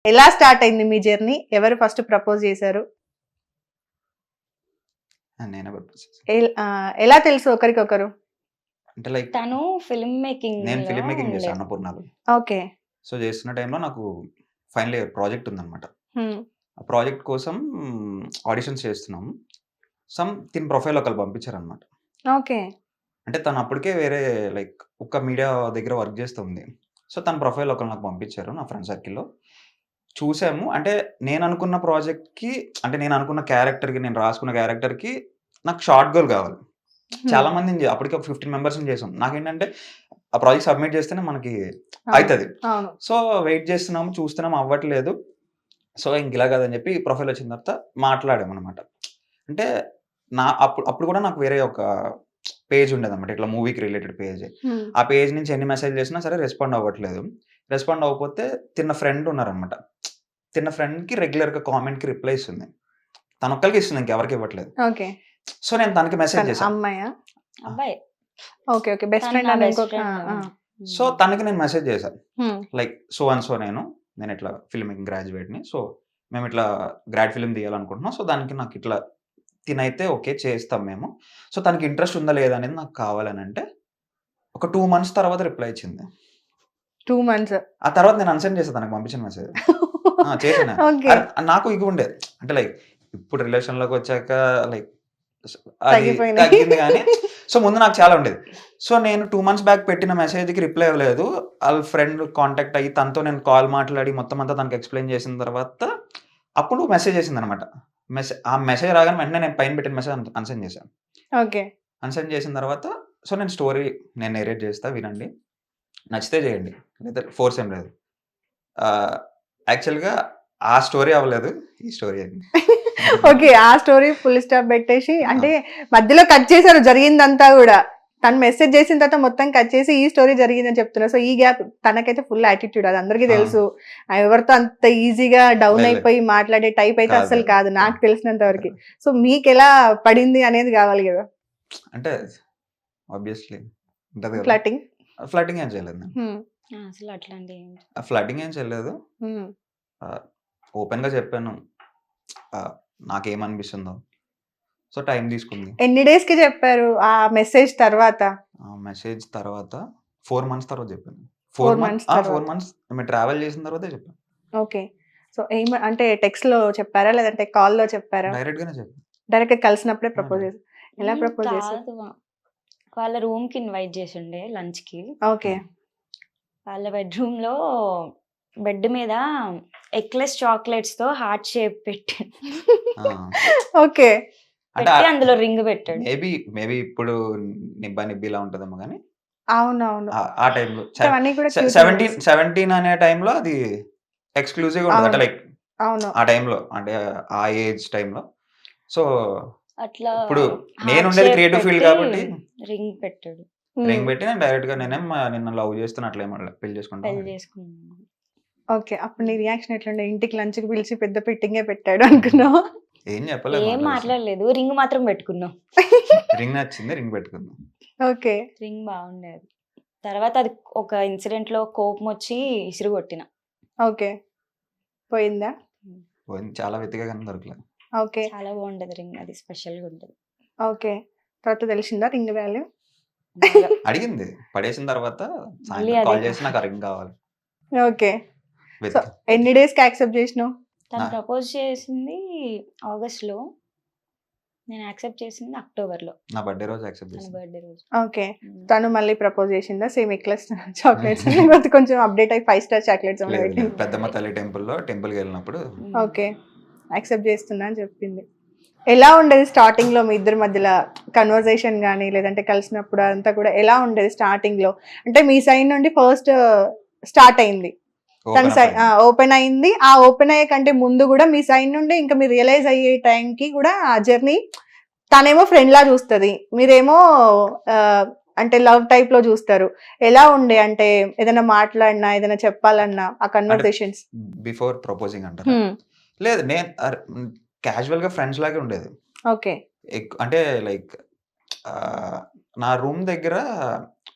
ఎలా స్టార్ట్ అయింది మీ జర్నీ? ఎవరు ఫస్ట్ ప్రపోజ్ చేశారు? నేనే ప్రపోజ్ చేశాను. ఎలా తెలుసు ఒకరికొకరు? అంటే లైక్ తను ఫిల్మ్ మేకింగ్ నేను ఫిల్మ్ మేకింగ్ చేశాను అన్నపూర్ణలో. ఓకే. సో చేస్తున్న టైంలో నాకు ఫైనల్ ఇయర్ ప్రాజెక్ట్ ఉందన్నమాట. హ్మ్. ఆ ప్రాజెక్ట్ కోసం ఆడిషన్స్ చేస్తున్నాం. తిన ప్రొఫైల్ ఒకళ్ళు పంపించారనమాట. ఓకే. అంటే తను అప్పటికే వేరే లైక్ ఒక మీడియా దగ్గర వర్క్ చేస్తుంది. సో తన ప్రొఫైల్ ఒకళ్ళు నాకు పంపించారు నా ఫ్రెండ్ సర్కిల్‌లో. చూసాము. అంటే నేను అనుకున్న ప్రాజెక్ట్‌కి అంటే నేను అనుకున్న క్యారెక్టర్‌కి నేను రాసుకున్న క్యారెక్టర్‌కి నాకు షార్ట్ గోల్ కావాలి. చాలా హ్మ్. మందిని అప్పటికి ఒక 15 మెంబర్స్‌ని చేసాం. నాకేంటంటే ఆ ప్రాజెక్ట్ సబ్మిట్ చేస్తేనే మనకి అవును. అయితది. అవును. సో వెయిట్ చేస్తున్నాము, చూస్తున్నాము అవ్వట్లేదు. సో ఇంక ఇలా కాదని చెప్పి ప్రొఫైల్ వచ్చిన తర్వాత మాట్లాడామనమాట. అంటే అప్పుడు కూడా నాకు వేరే ఒక పేజ్ ఉండేదన్నమాట. ఇట్లా మూవీకి రిలేటెడ్ పేజ్. హ్మ్. ఆ పేజ్ నుంచి ఎన్ని మెసేజ్‌లు చేసినా సరే రెస్పాండ్ అవ్వట్లేదు. రెస్పాండ్ అవ్వకపోతే తిన్న ఫ్రెండ్ ఉన్నారనమాట. తిన్న ఫ్రెండ్‌కి రెగ్యులర్‌గా కామెంట్‌కి రిప్లై ఇస్తుంది. తనొక్కళ్ళకే ఇస్తుంది. ఇంకెవరికీ ఇవ్వట్లేదు. ఓకే. సో నేను తనకి మెసేజ్ చేశాను. అమ్మాయా? అబ్బాయి. ఓకే. ఓకే. బెస్ట్ తను ఫ్రెండ్ నా అని బెస్ట్ ఇంకొక ఫ్రెండ్. సో తనకి నేను మెసేజ్ చేశాను. హ్మ్. లైక్ సో అండ్ సో నేను ఇట్లా ఫిల్మ్ మేకింగ్ గ్రాడ్యుయేట్‌ని. సో మేము ఇట్లా గ్రాడ్ ఫిల్మ్ తీయాలనుకుంటున్నాం. సో దానికి నాకు ఇట్లా తినైతే ఓకే చేస్తాం మేము. సో తనకి ఇంట్రెస్ట్ ఉందా లేదా అనేది నాకు కావాలనంటే ఒక 2 మంత్స్ తర్వాత రిప్లై ఇచ్చింది. 2 మంత్స్. ఆ తర్వాత నేను అన్‌సెండ్ చేశా తనకు పంపించిన మెసేజ్. చేశాను. ఓకే. నాకు ఇగో ఉండేది. అంటే లైక్ ఇప్పుడు రిలేషన్‌లోకి వచ్చాక లైక్ అది తగ్గిపోయినాయి. తగ్గింది గానీ సో ముందు నాకు చాలా ఉండేది. సో నేను 2 మంత్స్ బ్యాక్ పెట్టిన మెసేజ్‌కి రిప్లై ఇవ్వలేదు. ఆళ్ళ ఫ్రెండ్ కాంటాక్ట్ అయ్యి తనతో నేను కాల్ మాట్లాడి మొత్తం అంతా తనకి ఎక్స్‌ప్లెయిన్ చేసిన తర్వాత అప్పుడు మెసేజ్ చేసిందనమాట. ఆ మెసేజ్ రాగానే వెంటనే నేను పైన పెట్టిన మెసేజ్ అన్‌సెండ్ చేశాను. ఓకే. అన్‌సెండ్ చేసిన తర్వాత సో నేను స్టోరీ నేరేట్ చేస్తా వినండి. నచ్చితే చేయండి. లేదా ఫోర్స్ ఏం లేదు. యాక్చువల్‌గా ఆ స్టోరీ అవ్వలేదు. ఈ స్టోరీ అయింది. ఓకే. ఆ స్టోరీ ఫుల్ స్టాప్ పెట్టేసి అంటే మధ్యలో కట్ చేశారు జరిగిందంతా గూడా. తను మెసేజ్ చేసిన తర్వాత మొత్తం కట్ చేసి ఈ స్టోరీ జరిగిందని చెప్తున్నారు. సో ఈ గ్యాప్ తనకైతే ఫుల్ యాటిట్యూడ్ అది అందరికీ తెలుసు. ఎవరితో అంత ఈజీగా డౌన్ లేదు. అయిపోయి మాట్లాడే టైప్ అయితే కాదు. అస్సలు కాదు నాకు తెలిసినంత వరకు. సో మీకెలా పడింది అనేది కావాలి కదా. అంటే ఆబ్వియస్‌లీ ఉంటది కదా! ఫ్లర్టింగ్. ఫ్లర్టింగ్ ఏం చేయలేదు నేను. హ్మ్. అసలు అట్లాంటి ఫ్లర్టింగ్ ఏం చేయలేదు. హ్మ్. ఓపెన్‌గా చెప్పాను. నాకేమనిపిస్తుందో. సో టైం తీసుకుంది. ఎన్ని డేస్ కి చెప్పారు ఆ మెసేజ్ తర్వాత? ఆ మెసేజ్ తర్వాత 4 మంత్స్ తర్వాత చెప్పాను. 4 మంత్స్ తర్వాత. 4 మంత్స్ మేము ట్రావెల్ చేసిన తర్వాతే చెప్పాను. ఓకే. సో అంటే టెక్స్ట్‌లో చెప్పారా? లేదంటే కాల్‌లో చెప్పారా? డైరెక్ట్‌గానే చెప్పాను. డైరెక్ట్‌గా కలిసినప్పుడే ప్రపోజ్ చేసారు. ఎలా ప్రపోజ్ చేసారు? కాదు. వాళ్ళ రూమ్‌కి ఇన్వైట్ చేసిండే లంచ్‌కి. ఓకే. వాళ్ళ బెడ్‌రూమ్‌లో బెడ్ మీద ఎక్లెస్ చాక్లెట్స్‌తో హార్ట్ షేప్ పెట్టాడు. ఆ! ఓకే. అంటే పెట్టి అందులో రింగ్ పెట్టాడు. మేబీ ఇప్పుడు నిబ్బా నిబ్బిలా ఉంటదేమో గానీ అవునవును. ఆ టైంలో అవన్నీ కూడా క్యూట్ 17 అనే టైంలో అది ఎక్స్‌క్లూజివ్‌గా ఉంటది. అంటే అవును. లైక్ అవును. ఆ టైంలో అంటే ఆ ఏజ్ టైంలో. సో అట్లా ఇప్పుడు heart నేనుండేది shape క్రియేటివ్ ఫీల్డ్ పెట్టి కాబట్టి రింగ్ పెట్టాడు. రింగ్ పెట్టి నేను డైరెక్ట్‌గా నిన్ను లవ్ చేస్తున్నా అట్లా ఏం అనలే. పెళ్లి చేసుకుంటాం పెళ్లి అని. చేసుకున్నాను. ఓకే. అప్పుడు నీ రియాక్షన్ ఎట్లుండే? ఇంటికి లంచ్‌కి పిలిచి పెద్ద పెట్టింగే పెట్టాడు అనుకున్నావా? ఏం చెప్పలేదు. ఏం మాట్లాడలేదు. రింగ్ మాత్రం పెట్టుకున్నాం. రింగ్ నచ్చింది. రింగ్ పెట్టుకుందాం. ఓకే. రింగ్ బాగుండేది. తర్వాత అది ఒక ఇన్సిడెంట్‌లో కోపం వచ్చి ఇసిరి కొట్టిన. ఓకే. పోయిందా? పోయింది. చాలా వెతికా కానీ దొరకలేదు. ఓకే. చాలా బాగుంటది రింగ్. అది స్పెషల్‌గా ఉంటది. ఓకే. తర్వాత తెలిసిందా రింగ్ వాల్యూ? బాగా. అడిగింది. పడేసిన తర్వాత మళ్ళీ సాయంత్రం కాల్ అదే. చేసి నాకు ఆ రింగ్ కావాలి. ఓకే. సో వెతికా. ఎన్ని డేస్‌కి యాక్సెప్ట్ చేసినావు? తను ఆ. ప్రపోజ్ చేసింది ఆగస్ట్‌లో. నేను యాక్సెప్ట్ చేసింది అక్టోబర్‌లో. నా బర్త్‌డే రోజు యాక్సెప్ట్ తన చేసింది. బర్త్‌డే రోజు. ఓకే. తను మళ్ళీ ప్రపోజ్ చేసిందా? సేమ్ ఎక్లెస్ చాక్లెట్స్ లేకపోతే కొంచెం అప్డేట్ అయ్యి 5 స్టార్ చాక్లెట్స్ ఏమైనా లేదు పెట్టిందా? లేదు. పెద్దమ్మ తల్లి టెంపుల్‌కి వెళ్ళినప్పుడు ఓకే. యాక్సెప్ట్ చేస్తున్నా అని చెప్పింది. ఎలా ఉండేది స్టార్టింగ్‌లో మీ ఇద్దరి మధ్యలో కన్వర్జేషన్ గాని లేదంటే కలిసినప్పుడు అదంతా కూడా ఎలా ఉండేది స్టార్టింగ్‌లో? అంటే మీ సైడ్ నుండి ఫస్ట్ స్టార్ట్ అయింది. తన ఓపెన్ సైడ్ అప్ అయింది. ఓపెన్ అయింది. ఆ ఓపెన్ అయ్యే కంటే ముందు కూడా మీ సైడ్ నుండి ఇంకా మీరు రియలైజ్ అయ్యే టైంకి కూడా ఆ జర్నీ తనేమో ఫ్రెండ్ లా చూస్తది. మీరేమో అంటే లవ్ టైప్ లో చూస్తారు. ఎలా ఉండే అంటే ఏదైనా మాట్లాడినా ఏదైనా చెప్పాలన్నా ఆ కన్వర్జేషన్స్? బిఫోర్ ప్రపోజింగ్ అంటారా? లేదు నేను క్యాజువల్‌గా ఫ్రెండ్స్ లాగే ఉండేది. ఓకే. అంటే లైక్ నా రూమ్ దగ్గర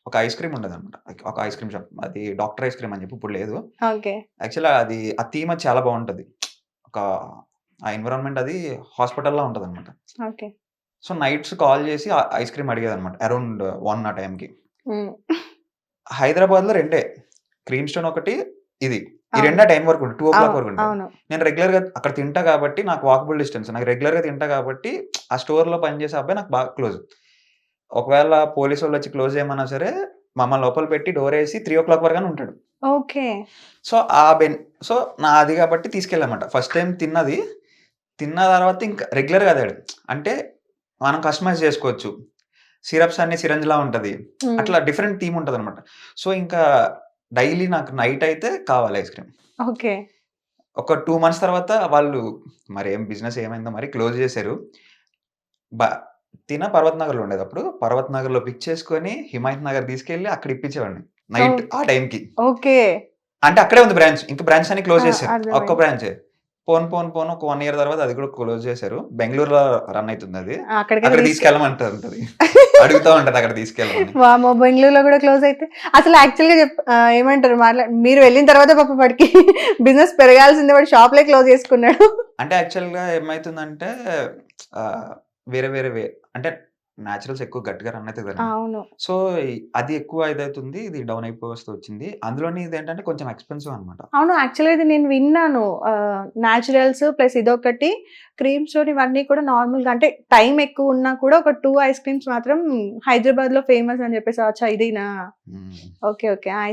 ఒక ఐస్ క్రీమ్ ఉండదనమాట. ఒక ఐస్ క్రీమ్ షాప్. అది డాక్టర్ ఐస్ క్రీమ్ అని చెప్పి ఇప్పుడు లేదు. ఓకే. యాక్చువల్‌గా అది ఆ థీమ్ అది చాలా బావుంటది. ఒక ఆ ఎన్విరాన్మెంట్ అది హాస్పిటల్‌లా ఉంటదనమాట. ఓకే. సో, నైట్స్ కాల్ చేసి ఐస్ క్రీమ్ అడిగేదనమాట. అరౌండ్ 1 ఆ టైంకి. హ్మ్. హైదరాబాద్‌లో రెండే. క్రీమ్ స్టోన్ ఒకటి, ఇది. ఈ అవును. 2 టైం వరకు ఉంటాయి. 2:00 వరకు ఉంటాయి. అవును. నేను రెగ్యులర్‌గా అక్కడ తింటా కాబట్టి నాకు వాకబుల్ డిస్టెన్స్. నాకు రెగ్యులర్‌గా తింటా కాబట్టి ఆ స్టోర్‌లో పనిచేసే అబ్బాయి నాకు బాగా క్లోజ్. ఒకవేళ పోలీసోళ్ళొచ్చి క్లోజ్ చేయమన్నా సరే, మమ్మల్ని లోపల పెట్టి డోరేసి 3:00 వరకనే ఉంటాడు. ఓకే. సో, ఆ బెన్ సో, నాది కాబట్టి తీసుకెళ్ళామాట. ఫస్ట్ టైమ్ తిన్నది. తిన్న తర్వాత ఇంకా రెగ్యులర్‌గా అదే. అంటే మనం కస్టమైజ్ చేసుకోవచ్చు. సిరప్స్ అన్నీ సిరంజ్‌లా ఉంటది. హ్మ్. అట్లా డిఫరెంట్ థీమ్ ఉంటదనమాట. సో, ఇంకా డైలీ నాకు నైట్ అయితే కావాలి ఐస్ క్రీమ్. ఓకే. ఒక 2 మంత్స్ తర్వాత వాళ్ళు మరేం బిజినెస్ ఏమైందో మరి క్లోజ్ చేశారు. బ పర్వత్ నగర్‌లో ఉండేదప్పుడు. పర్వత్ నగర్‌లో పిక్ చేసుకొని హిమాయత్ నగర్ తీసుకెళ్ళి అక్కడ ఇప్పించేవాడిని. Night okay. ఆ టైంకి. ఓకే. అంటే అక్కడే ఉంది బ్రాంచ్. ఇంక బ్రాంచ్ అన్ని క్లోజ్ ఆ! చేశారు. ఒక్క అర్థమైంది. బ్రాంచే. పోను ఒక 1 ఇయర్ తర్వాత అది కూడా క్లోజ్ చేశారు. బెంగుళూరులో రన్ అయితుందది. అక్కడికైతే అక్కడ తీసుకెళ్ళమంటది. అడుగుతా ఉంటది అక్కడ తీసుకెళ్ళమని. వామ్మో! బెంగుళూరులో గూడా క్లోజ్ అయితే అసలు యాక్చువల్‌గా ఏమంటారు మీరు వెళ్ళిన తర్వాత పాపం వాడికి బిజినెస్ పెరగాల్సింది వాడు షాప్‌లే క్లోజ్ చేసుకున్నాడు. అంటే యాక్చువల్‌గా ఏమైతుందంటే ఆహ్, వేరే వేరే అంటే నేచురల్స్ ఎక్కువ గట్టిగా రన్ అయితది కదండీ. అవును. సో, అది ఎక్కువ ఇదైతుంది. ఇది డౌన్ అయిపోవస్తూ వచ్చింది. అందులోని ఇదేంటంటే కొంచెం ఎక్స్‌పెన్సివ్ అనమాట. అవును. యాక్చువల్‌గా ఇది నేను విన్నాను. నేచురల్స్ ప్లస్ ఇదొకటి క్రీమ్ స్టోన్ ఇవన్నీ కూడా నార్మల్‌గా అంటే టైమ్ ఎక్కువ ఉన్నా కూడా ఒక 2 ఐస్ క్రీమ్స్ మాత్రం హైదరాబాద్‌లో ఫేమస్ అని చెప్పేసి అచ్చా ఇదేనా? హ్మ్. ఓకే. ఓకే. ఆ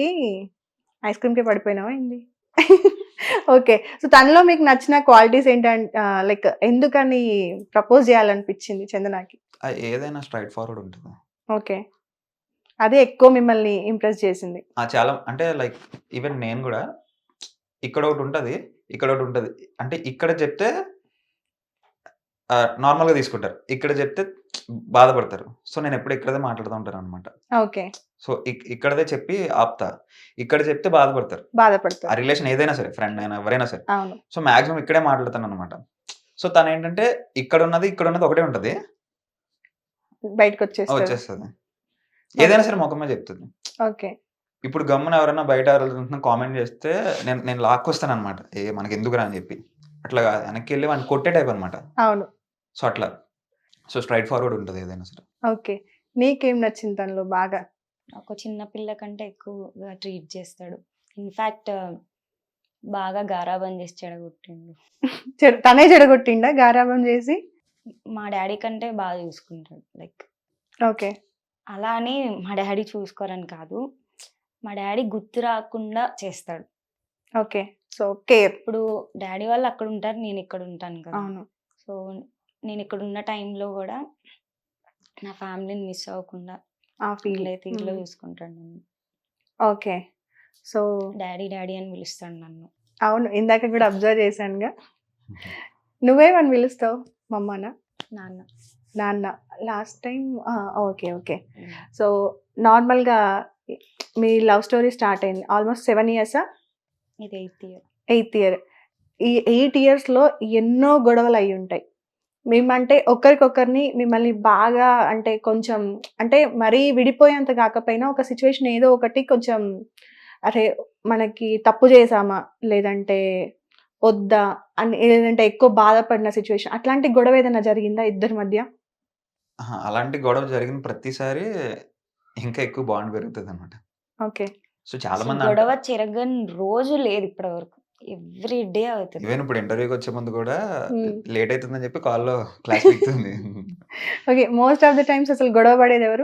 ఐస్ క్రీమ్‌కే పడిపోయినావా ఏంది? ఓకే. సో, తనలో మీకు నచ్చిన క్వాలిటీస్ లైక్ ఎందుకని ప్రపోజ్ చేయాలనిపించింది చందనకి? ఏదైనా స్ట్రెయిట్ ఫార్వర్డ్ ఉంటదా? ఓకే. అదే ఎక్కువ మిమ్మల్ని ఇంప్రెస్ చేసింది. చాలా అంటే లైక్ ఈవెన్ నేను గూడా ఇక్కడొకటుంటది. ఇక్కడొకటుంటది. అంటే ఇక్కడ చెప్తే నార్మల్‌గా తీసుకుంటారు. ఇక్కడ చెప్తే బాధపడతారు. సో, నేనెప్పుడు ఇక్కడిదే మాట్లాడుతా ఉంటాననమాట. ఓకే. సో, ఇక్కడిదే చెప్పి ఆపుతా. ఇక్కడ చెప్తే బాధపడతారు. ఆ బాధపడతారు. రిలేషన్ ఏదైనా సరే, ఫ్రెండ్ అయినా ఎవరైనా సరే. అవును. సో, మాక్సిమం ఇక్కడే మాట్లాడతాననమాట. సో, తనేంటంటే ఇక్కడున్నది ఒకటే ఉంటది. బయటకొచ్చేస్తది. వచ్చేస్తది. ఏదైనా సరే మొఖం మీద చెప్తది. ఓకే. ఇప్పుడు గమ్మున ఎవరైనా బయట ఎవరైనా కామెంట్ చేస్తే నేను లాక్కొస్తాననమాట. మనకెందుకురా అని చెప్పి. అట్లా కాదు. వెనక్కెళ్ళి వాడిని కొట్టే టైప్ అనమాట. అవును. సో, అట్లా. సో, స్ట్రెయిట్ ఫార్వర్డ్ ఉంటది ఏదైనా సరే. ఓకే. నీకేం నచ్చింది తనలో బాగా? ఒక చిన్న పిల్ల కంటే ఎక్కువగా ట్రీట్ చేస్తాడు. ఇన్‌ఫాక్ట్ బాగా గారాబం చేసి చెడగొట్టిండు. తనే చెడగొట్టిండా గారాబం చేసి? మా డ్యాడీ కంటే బాగా చూసుకుంటాడు. Like okay. అలా అని మా డ్యాడీ చూసుకోరని కాదు. మా డ్యాడీ గుర్తు రాకుండా చేస్తాడు. ఓకే. So, care. ఇప్పుడు డ్యాడీ వాళ్ళు అక్కడ ఉంటారు. నేను ఇక్కడ ఉంటాను కదా! అవును. సో, నేను ఇక్కడ ఉన్న టైంలో కూడా నా ఫ్యామిలీని మిస్ అవ్వకుండా ఆ ఫీల్. తీరులో చూసుకుంటాడు నన్ను. ఓకే. సో, డ్యాడీ డ్యాడీ అని పిలుస్తాడు నన్ను. అవును. ఇందాక కూడా అబ్జర్వ్ చేశానుగా. నువ్వేమని పిలుస్తావు? మమ్మానా? నాన్న. నాన్న. Last time okay. ఓకే. హ్మ్. సో, నార్మల్‌గా మీ లవ్ స్టోరీ స్టార్ట్ అయింది. ఆల్మోస్ట్ 7 ఇయర్సా? ఇది 8th ఇయర్. 8th year. ఈ 8 ఇయర్స్‌లో ఎన్నో గొడవలయ్యుంటాయి. మేమంటే ఒకరికొకరిని మిమ్మల్ని బాగా అంటే కొంచెం అంటే మరీ విడిపోయేంత కాకపోయినా ఒక సిట్యుయేషన్ ఏదో ఒకటి కొంచెం అరే! మనకి తప్పు చేశామా? లేదంటే వద్దా? అని లేదంటే ఎక్కువ బాధపడిన సిట్యుయేషన్ అట్లాంటి గొడవ ఏదైనా జరిగిందా ఇద్దరి మధ్య? అహా! అలాంటి గొడవ జరిగిన ప్రతిసారి ఇంకా ఎక్కువ బాండ్ పెరుగుతదనమాట. ఓకే. సో, చాలా అసలు మంది గొడవ చెరగని రోజు లేదు ఇప్పటి వరకు. ఎవ్రీ డే అవుతది. ఈవెన్ ఇప్పుడు ఇంటర్వ్యూకొచ్చే ముందు కూడా హ్మ్. లేట్ అయితుందని చెప్పి కాల్‌లో క్లాస్ పీకుతుంది. Okay. Most of the times అసలు గొడవ పడేదెవరు?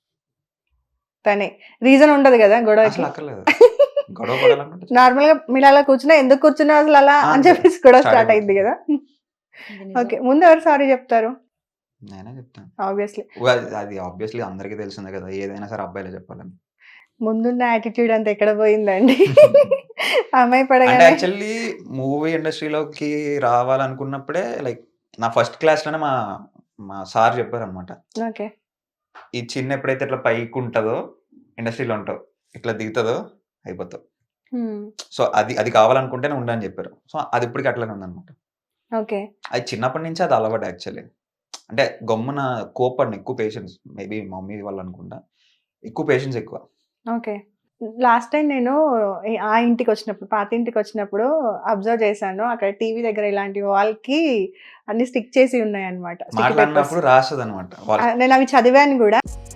తనే. రీజన్ ఉండదు గదా! గొడవకి. అసలు అక్కర్లేదు. గొడవ పడాలనుకుంటే నార్మల్‌గా మీరలా కూర్చున్నా ఎందుకు కూర్చున్నావు అసలలా అని అంతే. చెప్పేసి గొడవ స్టార్ట్ స్టార్ట్ అయింది అయిపోతది. గదా! ఇది నిజం. ఓకే. ముందు ఎవరు సారీ చెప్తారు? నేనే చెప్తాను. ఆబ్వియస్‌లీ. అది ఆబ్వియస్‌లీ అందరికీ తెలిసిందే కదా! ఏదైనా సరే అబ్బాయిలే చెప్పాలని. ముందున్న యాటిట్యూడ్ అంతా ఎక్కడ పోయిందండి? అమ్మాయి అంటే పడగానే యాక్చువల్లీ మూవీ ఇండస్ట్రీలోకి రావాలనుకున్నప్పుడే లైక్ నా ఫస్ట్ క్లాస్‌లోనే మా మా సార్ చెప్పారనమాట. ఓకే. ఈ చిన్ ఎప్పుడైతే ఇట్లా పైకుంటదో ఇండస్ట్రీలో ఉంటావు. ఇట్లా దిగుతదో అయిపోతావు. హ్మ్. సో, అది కావాలనుకుంటేనే ఉండు అని చెప్పారు. సో, అది ఇప్పటికి అట్లనే ఉందనమాట. ఓకే. అది చిన్నప్పటి నుంచి అది అలవాటు యాక్చువల్లీ. అంటే గమ్మున కోప్పడను ఎక్కువ పేషెన్స్. మేబీ మా మమ్మీ వల్ల అనుకుంటా. ఎక్కువ పేషెన్స్ ఎక్కువ. ఓకే. లాస్ట్ టైం నేను ఆ ఇంటికి వచ్చినప్పుడు, పాత ఇంటికి వచ్చినప్పుడు అబ్జర్వ్ చేశాను. అక్కడ టీవీ దగ్గర ఇలాంటి వాల్‌కి అన్ని స్టిక్ చేసి ఉన్నాయన్నమాట. Sticky papers. మాట్లాడినప్పుడు రాస్తదనమాట. నేను అవి చదివాను గూడా.